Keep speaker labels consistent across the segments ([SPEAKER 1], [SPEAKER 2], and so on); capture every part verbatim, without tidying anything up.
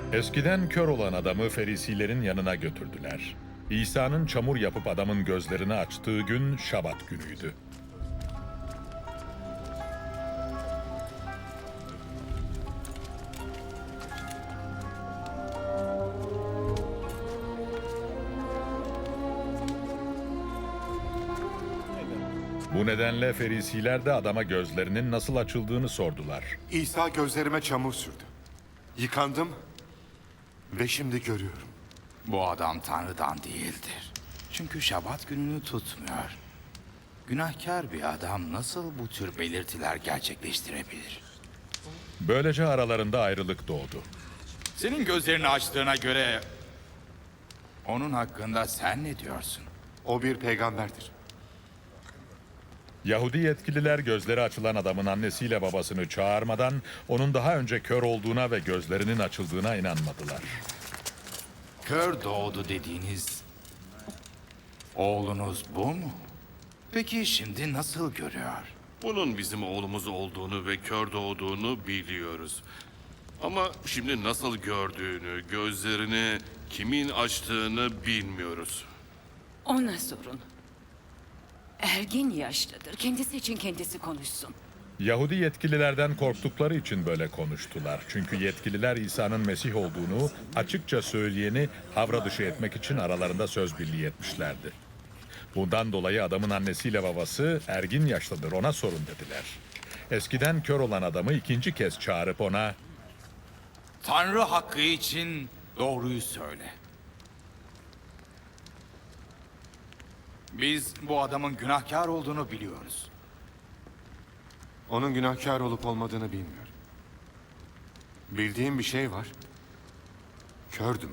[SPEAKER 1] Eskiden kör olan adamı Ferisilerin yanına götürdüler. İsa'nın çamur yapıp adamın gözlerini açtığı gün Şabat günüydü. Bu nedenle Ferisiler de adama gözlerinin nasıl açıldığını sordular.
[SPEAKER 2] İsa gözlerime çamur sürdü. Yıkandım ve şimdi görüyorum.
[SPEAKER 3] Bu adam Tanrı'dan değildir. Çünkü Şabat gününü tutmuyor. Günahkar bir adam nasıl bu tür belirtiler gerçekleştirebilir?
[SPEAKER 1] Böylece aralarında ayrılık doğdu.
[SPEAKER 3] Senin gözlerini açtığına göre onun hakkında sen ne diyorsun?
[SPEAKER 2] O bir peygamberdir.
[SPEAKER 1] Yahudi yetkililer gözleri açılan adamın annesiyle babasını çağırmadan onun daha önce kör olduğuna ve gözlerinin açıldığına inanmadılar.
[SPEAKER 3] Kör doğdu dediğiniz oğlunuz bu mu? Peki şimdi nasıl görüyor?
[SPEAKER 4] Bunun bizim oğlumuz olduğunu ve kör doğduğunu biliyoruz. Ama şimdi nasıl gördüğünü, gözlerini kimin açtığını bilmiyoruz.
[SPEAKER 5] Ona sorun. Ergin yaşlıdır. Kendisi için kendisi konuşsun.
[SPEAKER 1] Yahudi yetkililerden korktukları için böyle konuştular. Çünkü yetkililer İsa'nın Mesih olduğunu açıkça söyleyeni havra dışı etmek için aralarında söz birliği etmişlerdi. Bundan dolayı adamın annesiyle babası ergin yaşlıdır, ona sorun dediler. Eskiden kör olan adamı ikinci kez çağırıp ona
[SPEAKER 3] Tanrı hakkı için doğruyu söyle. Biz bu adamın günahkar olduğunu biliyoruz.
[SPEAKER 2] Onun günahkar olup olmadığını bilmiyorum. Bildiğim bir şey var. Kördüm.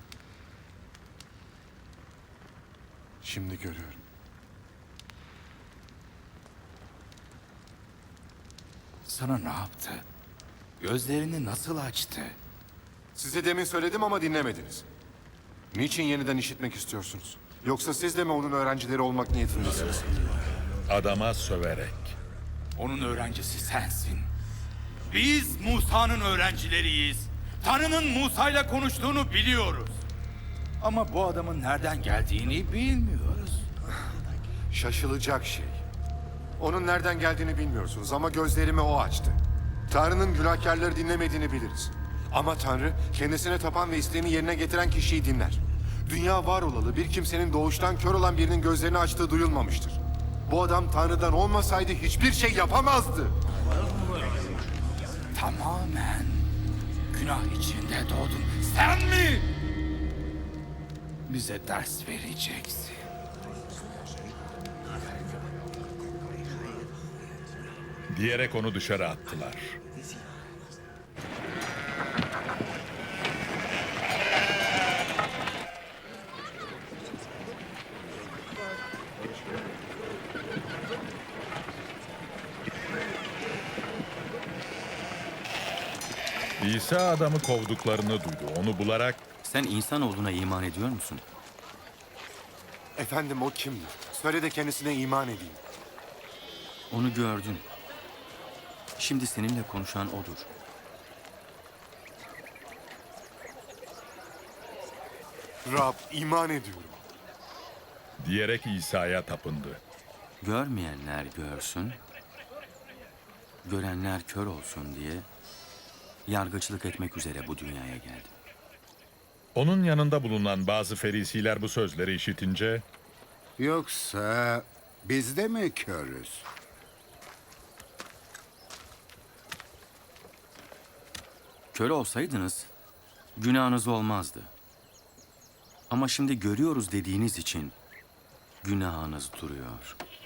[SPEAKER 2] Şimdi görüyorum.
[SPEAKER 3] Sana ne yaptı? Gözlerini nasıl açtı?
[SPEAKER 2] Size demin söyledim ama dinlemediniz. Niçin yeniden işitmek istiyorsunuz? Yoksa siz de mi onun öğrencileri olmak niyetindesiniz?
[SPEAKER 1] adama söverek.
[SPEAKER 3] Onun öğrencisi sensin. Biz Musa'nın öğrencileriyiz. Tanrı'nın Musa'yla konuştuğunu biliyoruz. Ama bu adamın nereden geldiğini bilmiyoruz.
[SPEAKER 2] Şaşılacak şey. Onun nereden geldiğini bilmiyorsunuz ama gözlerimi o açtı. Tanrı'nın günahkarları dinlemediğini biliriz. Ama Tanrı kendisine tapan ve isteğini yerine getiren kişiyi dinler. Dünya var olalı bir kimsenin doğuştan kör olan birinin gözlerini açtığı duyulmamıştır. Bu adam Tanrı'dan olmasaydı hiçbir şey yapamazdı.
[SPEAKER 3] Tamamen günah içinde doğdun. Sen mi? Bize ders vereceksin.
[SPEAKER 1] Diyerek onu dışarı attılar. İsa adamı kovduklarını duydu. Onu bularak
[SPEAKER 6] Sen insan olduğuna iman ediyor musun?
[SPEAKER 2] Efendim o kimdir? Söyle de kendisine iman edeyim.
[SPEAKER 6] Onu gördün. Şimdi seninle konuşan odur.
[SPEAKER 2] Rab, iman ediyorum.
[SPEAKER 1] diyerek İsa'ya tapındı.
[SPEAKER 6] Görmeyenler görsün, görenler kör olsun diye yargıçlık etmek üzere bu dünyaya geldim.
[SPEAKER 1] Onun yanında bulunan bazı ferisiler bu sözleri işitince
[SPEAKER 7] Yoksa biz de mi körüz?
[SPEAKER 6] Kör olsaydınız günahınız olmazdı. Ama şimdi görüyoruz dediğiniz için günahınız duruyor.